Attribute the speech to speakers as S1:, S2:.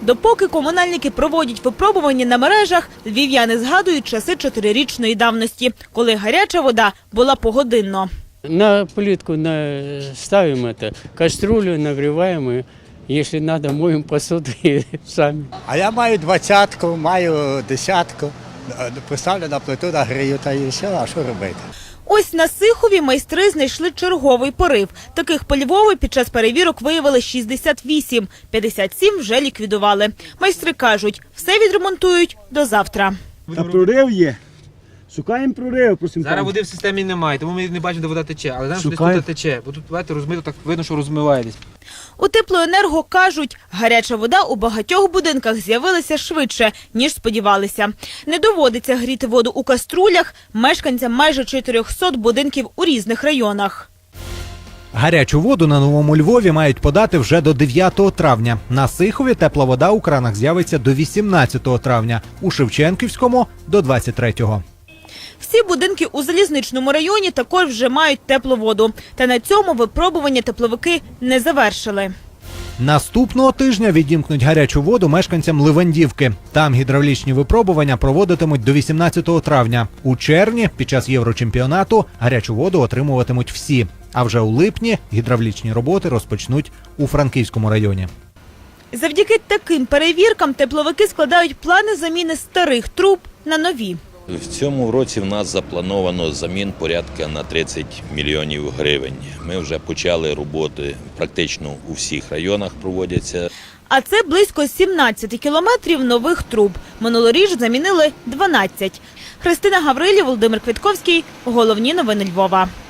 S1: Допоки комунальники проводять випробування на мережах, львів'яни згадують часи 4-річної давності, коли гаряча вода була погодинно.
S2: На плитку ставим кастрюлю, нагреваем и, если надо, моем посуду и сами.
S3: А я маю 20-ку, маю 10-ку, поставлю на плиту, нагрію та і все, а що робити?
S1: Ось на Сихові майстри знайшли черговий порив. Таких по Львову під час перевірок виявили 68, 57 вже ліквідували. Майстри кажуть, все відремонтують до завтра.
S4: Та прорив є. Шукаємо прорив, просимо.
S5: Зараз води в системі немає, тому ми не бачимо, де вода тече. Але знаємо, що десь
S4: Шукаємо.
S5: тут тече. Бо тут, бачите, розмито, так видно, що розмиває десь.
S1: У Теплоенерго кажуть, гаряча вода у багатьох будинках з'явилася швидше, ніж сподівалися. Не доводиться гріти воду у каструлях мешканцям майже 400 будинків у різних районах.
S6: Гарячу воду на Новому Львові мають подати вже до 9 травня. На Сихові тепла вода у кранах з'явиться до 18 травня, у Шевченківському – до 23-го.
S1: Всі будинки у Залізничному районі також вже мають теплу воду. Та на цьому випробування тепловики не завершили.
S6: Наступного тижня відімкнуть гарячу воду мешканцям Ливандівки. Там гідравлічні випробування проводитимуть до 18 травня. У червні, під час Єврочемпіонату, гарячу воду отримуватимуть всі. А вже у липні гідравлічні роботи розпочнуть у Франківському районі.
S1: Завдяки таким перевіркам тепловики складають плани заміни старих труб на нові.
S7: В цьому році в нас заплановано замін порядка на 30 мільйонів гривень. Ми вже почали роботи, практично у всіх районах проводяться.
S1: А це близько 17 кілометрів нових труб. Минулоріч замінили 12. Христина Гаврилів, Володимир Квітковський. Головні новини Львова.